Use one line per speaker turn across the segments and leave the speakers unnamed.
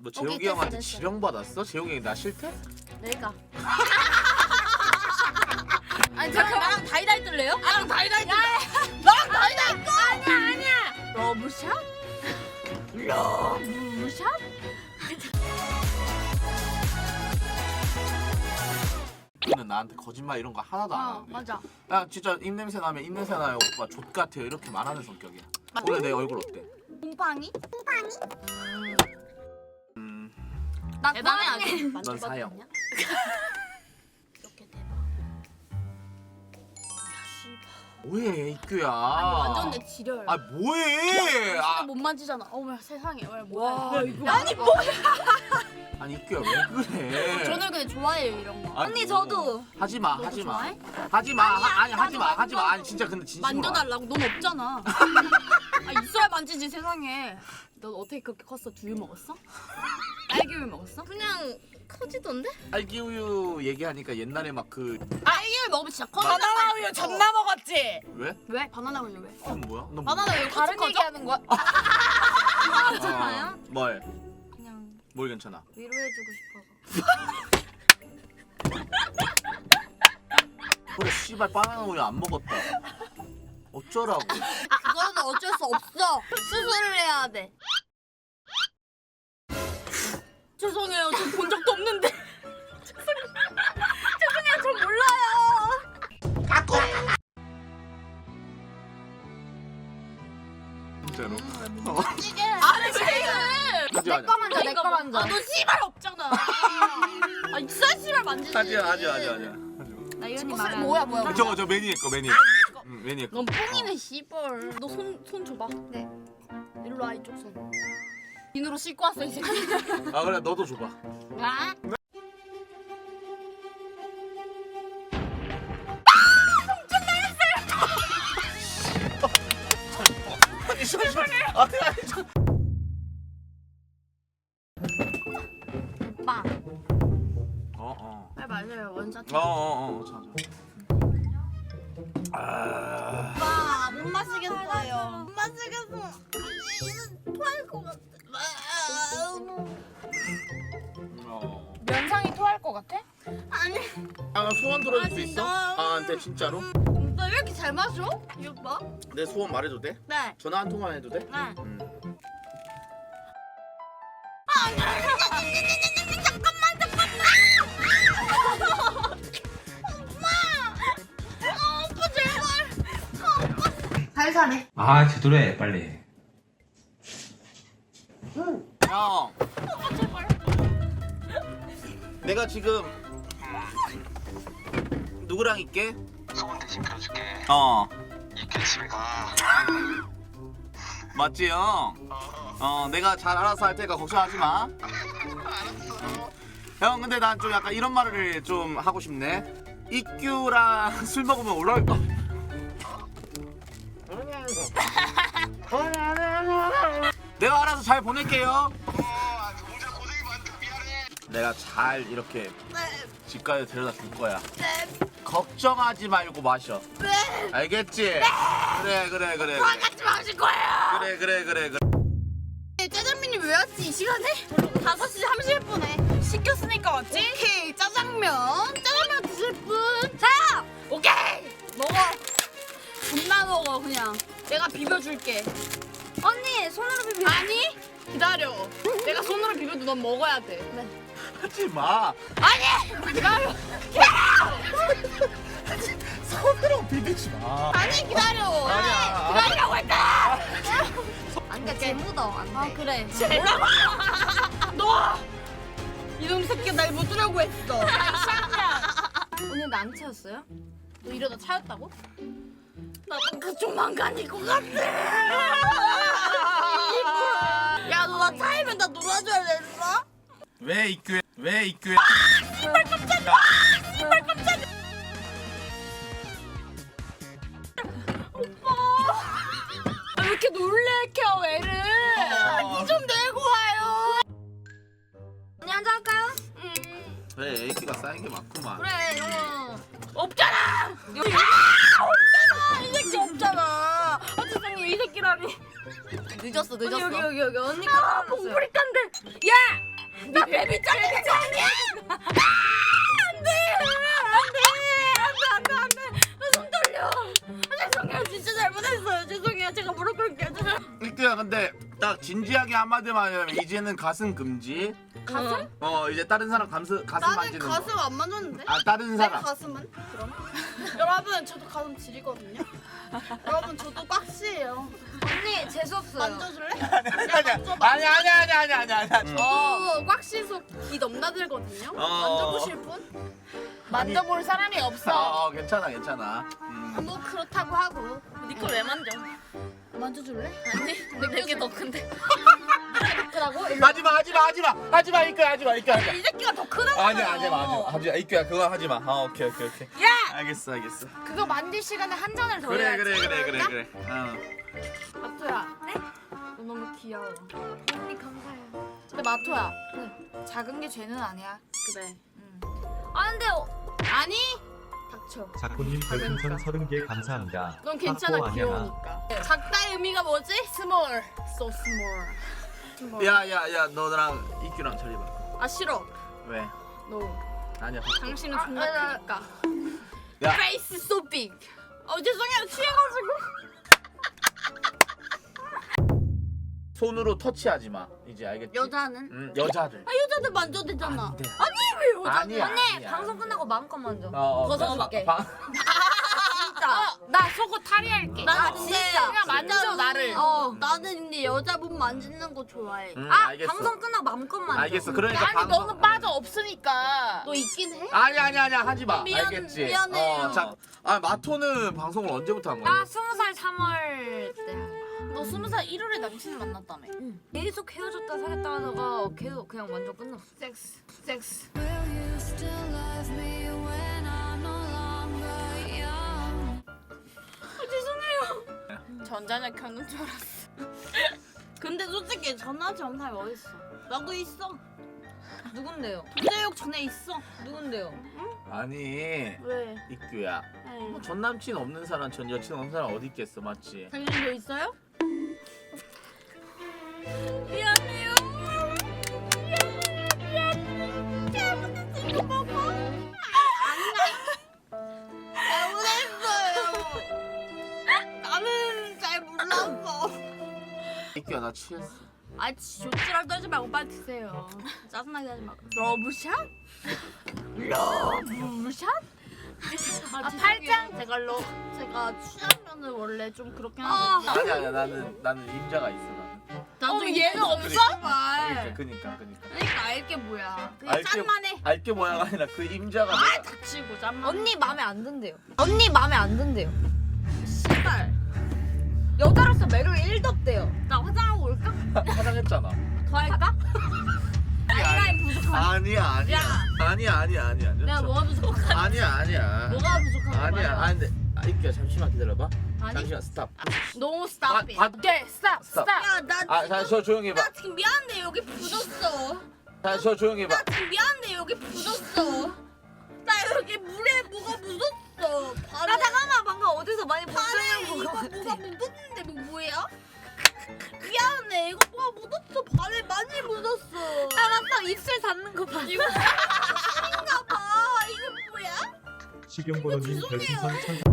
너 재욱이 형한테 지령 받았어? 재욱이 형이 나 싫대?
내가. 아니 저랑 나랑 다이다이 뜰래요? 나랑 다이다이 뜰래. 나랑 다이다이 뜰. 아니야. 러브샷? 러브샷?
너는 나한테 거짓말 이런 거 하나도 안 하는데.
맞아.
나 진짜 입냄새 나면 입냄새 나요 오빠 족 같아요 이렇게 말하는 성격이야. 오늘 내 얼굴 어때?
곰팡이?
나
대단해 아주.
넌 사형.
이렇게 대박.
뭐해 이규야.
완전 내 지려요.
아 뭐해?
진짜 못 만지잖아. 어머 세상에 왜 뭐야?
이거
아니 뭐?
아니 이규야 왜 그래?
저는 근데 좋아해요 이런 거.
아니,
언니 저도.
하지마
너도
하지마
좋아해?
하지마 아니 하지마 아니 진짜 근데 진심으로
만져달라고. 넌 없잖아. 아 있어야 만지지 세상에. 넌 어떻게 그렇게 컸어? 두유 먹었어? 딸기우유 먹었어?
그냥 커지던데?
알기우유 얘기하니까 옛날에 막 그
딸기우유 먹으면 진짜 커.
바나나 우유 존나 먹었지.
왜?
왜? 바나나 우유 왜?
그건 뭐야? 너
바나나 우유
다른
커져?
얘기하는 거야?
괜찮아요? 뭘?
그냥
뭘 괜찮아?
위로해주고 싶어서.
그래 씨발 바나나 우유 안 먹었다. 어쩌라고?
그거는 어쩔 수 없어. 수술을 해야 돼.
죄송해요. 저 본 적도 없는데.
죄송해요, 저 몰라요.
진짜로?
이게
아니 지금.
하지마
내거 만져, 내거 만져.
너 씨발 없잖아. 아 있어야 씨발 만지지.
하지마.
나 이현이
말해.
뭐야?
저 매니에 거 매니에 거. 응 매니에 거.
넌 뽕이네 씨발. 너 손 줘봐.
네.
일로 와 이쪽 손. 비누로 씻고 왔어 이 새끼.
아 그래 너도 줘봐.
아?
아니 저.
오빠.
어어.
네 맞아요 원샷.
어어어. 자. 아.
오빠 못 마시겠어요. 못 마시겠어. 토할 것 같아.
어.
면상이 토할 것 같아?
아니
아 소원 들어줄 수
진짜?
있어? 아 안돼 진짜로?
너 왜 이렇게 잘 마셔? 이 오빠?
내 소원 말해도 돼?
네.
전화 한 통만 해도 돼?
네. 살살해.
아 제대로 해 빨리.
형. 내가 지금 누구랑 있게?
소원 대신 펴줄게.
어.
이렇게 집에 가.
맞지 형? 내가 잘 알아서 할 테니까 걱정하지 마. 형 근데 난 좀 약간 이런 말을 좀 하고 싶네. 이규랑 술 먹으면 올라올 거. 내가 알아서 잘 보낼게요.
혼자 고생이 많다. 미안해.
내가 잘 이렇게 집까지 데려다 줄 거야. 걱정하지 말고 마셔. 알겠지? 그래.
같이 마실 거예요.
그래.
짜장면이 왜 왔지 이 시간에? 5시 30분에 시켰으니까 왔지? 오케이 짜장면 드실 분? 자! 오케이! 먹어 존나 먹어 그냥 내가 비벼줄게
언니 손으로 비벼.
아니 기다려 내가 손으로 비벼도 넌 먹어야 돼
하지 마.
아니 기다려
손으로 비비지 마.
아니 기다려
아니야.
기다리라고 했다
안 돼, 재 묻어. 안 돼.
아 그래 뭐라고? 너 이놈 새끼 날 묻으려고 했어
오늘 안 채웠어요?
너 이러다 차였다고? 나도 그 조만간일 것 같아. 야, 너 나 차이면 나 놀아줘야 되나?
왜 이규?
씨발 깜짝이야. 오빠. 왜 이렇게 놀래켜 애를? 니 좀 내고 와요.
언니 한잔 할까요?
그래 애기가 쌓인 게 많구만.
그래, 영어. 없잖아. 없잖아. 이 새끼 없잖아. 아, 죄송해요. 이 새끼라니.
늦었어.
여기 언니가 봉프리칸데. 야! 나 베비 짱짱이야. 안돼. 손 떨려. 죄송해요. 진짜 잘못했어요. 죄송해요. 제가 무릎 꿇을게요.
이규야 근데 딱 진지하게 한마디만 하면 이제는 가슴 금지.
가슴?
이제 다른 사람 가슴
나는
만지는
가슴
거.
안 만졌는데?
아 다른
내
사람.
가슴은? 그럼? 여러분 저도 가슴 지리거든요. 여러분 저도 꽉씨예요.
언니 재수 없어요.
만져줄래?
아니야.
저도 꽉씨서 귀 넘나들거든요. 만져보실 분?
만져볼 사람이 없어.
괜찮아.
뭐 그렇다고 하고.
니꺼 왜 만져?
만져줄래?
아니 내게 더 큰데.
크다고?
하지마 이규야 하지마.
이 새끼가 더 크다고.
하지마 이규야 그거 하지마. 오케이.
야!
알겠어.
그거 만질 시간에 한 잔을 더
그래.
해야지.
마토야.
네?
너 너무 귀여워.
언니 감사해요. 근데 마토야. 작은 게 죄는 아니야.
그래.
아 근데
아니? 닥쳐.
자꾸님 별풍선 30개 감사합니다.
넌 괜찮아
하고
귀여우니까. 작다의 의미가 뭐지? Small. So small.
야야야 너랑 이규랑 자리 봐.
아 싫어.
왜?
No.
아니야.
당신은 존나 크니까.
야.
Face so big. 죄송해요 취해가지고.
손으로 터치하지 마. 이제 알겠지?
여자는?
여자들.
여자들 만져도 되잖아.
안 돼.
아니 왜 여자는?
아니야.
언니 방송 끝나고 마음껏 만져.
벗어줄게.
진짜. 나 속옷 탈의할게.
나
진짜. 그냥 만져 나를.
나는 근데 여자분 만지는 거 좋아해.
알겠어.
방송 끝나고 마음껏 만져.
알겠어. 그러니까
아니
방송-
너는 빠져 없으니까.
너 있긴 해?
아니야 하지 마. 알겠지?
미안해요.
마토는 방송을 언제부터 한 거야?
나 20살 3월 때.
너 20살 1월에 남친을 만났다며?
계속 헤어졌다 사귀었다 하다가 계속 그냥 완전 끝났어.
섹스.
전자녀 켜는 줄 알았어.
근데 솔직히 전화하지 않는 사람이 어딨어? 나도 있어.
누군데요?
부재욕 전에 있어.
누군데요?
아니
왜?
이규야.
네.
전 남친 없는 사람, 전 여친 없는 사람 어디 있겠어, 맞지?
당신도 있어요?
미안해요.
잘못했어. 먹어. 잘못했어요. 나는 잘 몰랐어.
이규야 나 취했어.
조치랄 떨지 말고 빨리 드세요. 짜증나게 하지 말고. 러브샷? 러브샷?
팔짱
제갈로. 제가 취하면은 원래 좀 그렇게 하는데.
아니야 나는 임자가 있어 나는.
나도
얘는 없어?
그니까.
그러니까 알게 뭐야. 그냥
알게-
짠만 해.
알게 뭐야가 아니라 그 임자가 내가
닥치고 짠만.
언니 마음에 안 든대요. 언니 마음에 안 든대요.
씨발.
여자로서 매력이 1도 없대요.
나 화장하고 올까?
화장했잖아.
더 할까? 아이라인 부족하니?
아니야.
내가 뭐가 부족하니?
아니야.
뭐가 부족하니?
아니야. 근데 이규야 잠시만 기다려봐.
아니?
잠시만 스탑.
No stop it.
오케이 스탑
스탑.
야, 나
저 조용히 해봐.
나 지금 미안한데 여기 부었어.
저 조용히 해봐.
나 지금 미안한데 여기 부었어. 나 여기 물에 뭐가 묻었어. 발에.
나 잠깐만 방금 어디서 많이 본
발에
사람
이거
본것
뭐가
같아.
묻었는데 이거 뭐야? 미안해 이거 뭐가 묻었어. 발에 많이 묻었어.
알았어 입술 닿는 거 봐.
이거 신인가 봐. 이거 뭐야?
식용보로님 별풍선 1000.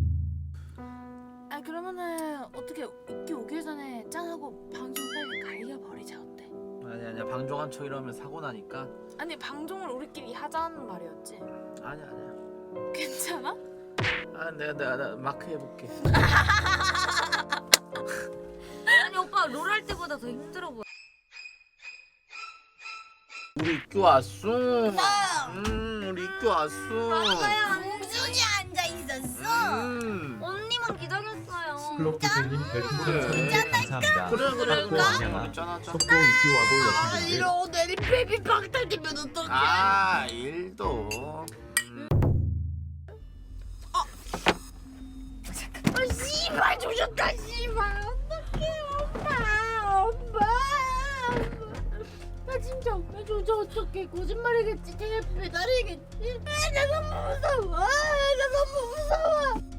아 그러면은 어떻게 있기 오기 전에 짠하고 방송 빨리 갈겨버리자 어때?
아니야. 방종한 척 이러면 사고 나니까.
아니 방송을 우리끼리 하자는 말이었지.
아니야.
괜찮아?
내가 마크 해볼게.
아니 오빠 롤 할 때보다 더 힘들어 보여.
우리 이규 왔어. 우리 이규 왔어.
공준이 앉아 있었어.
언니만 기다렸어요.
플로프제님 별풍선
그래.
30개 감사합니다.
그래.
안녕하.
짠하자.
속보 이규하고 여신분들
이러고 내리 베이비 박탈되면 어떡해?
일도.
씨발 조졌다 씨발 어떡해 오빠 나 진짜 왜 조져 어떡해 거짓말이겠지 테레 배달이겠지 나 너무 무서워 나 너무 무서워